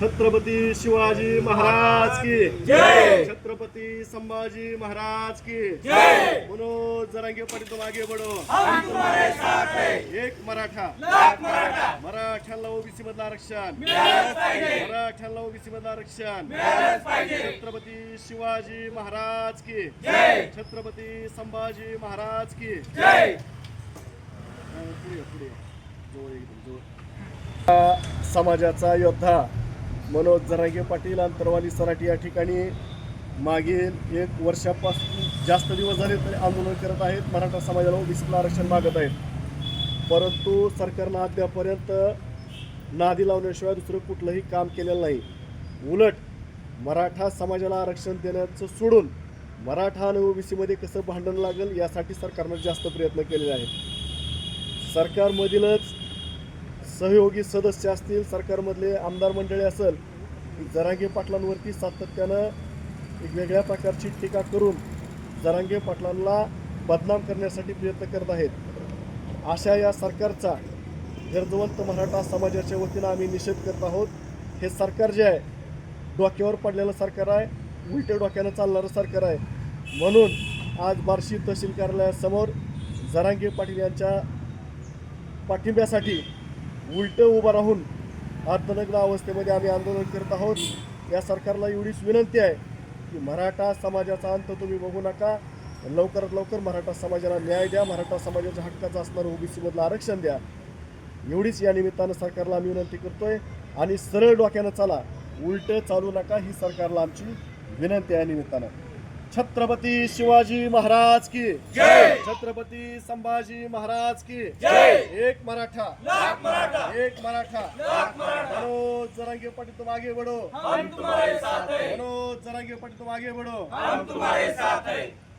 छत्रपती शिवाजी महाराज की जय। छत्रपति संभाजी महाराज की जय। मनोज जरांगे पाटील तुम आगे बढ़ो, हम तुम्हारे साथ है। एक मराठा, लाख मराठा मराठ्याला ओबीसी मधलं आरक्षण, मिळालंच पाहिजे, मराठ्याला ओबीसी मधलं आरक्षण, मिळालंच पाहिजे। छत्रपती शिवाजी महाराज की जय। छत्रपती संभाजी महाराज की जय। पुढे जवळ एकदम जवळ। समाजाचा योद्धा मनोज जरांगे पाटील अंतरवाली सराटी या ठिकाणी मागील 1 वर्षापासून जास्त दिवस झाले तरी आंदोलन करत आहेत। मराठा समाजाला ओबीसीला आरक्षण मागत आहेत, परंतु सरकारनं अद्यापर्यंत नादी लावण्याशिवाय दुसरं कुठलंही काम केलेलं नाही। उलट मराठा समाजाला आरक्षण देण्याचं सोडून मराठा आणि ओबीसीमध्ये कसं भांडण लागेल यासाठी सरकारनं जास्त प्रयत्न केलेले आहेत। सरकारमधीलच सहयोगी सदस्य असतील, सरकारमधले आमदार मंडळी असेल, जरांगे पाटलांवरती सातत्यानं एक वेगळ्या प्रकारची टीका करून जरांगे पाटलांना बदनाम करण्यासाठी प्रयत्न करत आहेत। अशा या सरकारचा गरजवंत मराठा समाजाच्या वतीनं आम्ही निषेध करत आहोत। हे सरकार जे आहे डोक्यावर पडलेलं सरकार आहे, उलट्या डोक्यानं चालणारं सरकार आहे। म्हणून आज बार्शी तहसील कार्यालयासमोर जरांगे पाटील यांच्या पाठिंब्यासाठी उलटं उभं राहून अर्धनग्न अवस्थेमध्ये आम्ही आंदोलन करत आहोत। या सरकारला एवढीच विनंती आहे की मराठा समाजाचा अंत तुम्ही बघू नका, लवकरात लवकर मराठा समाजाला न्याय द्या, मराठा समाजाच्या हक्काचं असणारं ओबीसी मधलं आरक्षण द्या, एवढीच या निमित्तानं सरकारला आम्ही विनंती करतोय। आणि सरळ डोक्यानं चाला, उलटं चालू नका, ही सरकारला आमची विनंती आहे। निमित्तानं छत्रपती शिवाजी महाराज की जय। छत्रपती संभाजी महाराज की जय। एक मराठा, लाख मराठा, एक मराठा, लाख मराठा। मनोज जरांगे पाटील तुम आगे बढ़ो, हम तुम्हारे साथ है। मनोज जरांगे पाटील तुम आगे बढ़ो। हम तुम्हारे साथ है।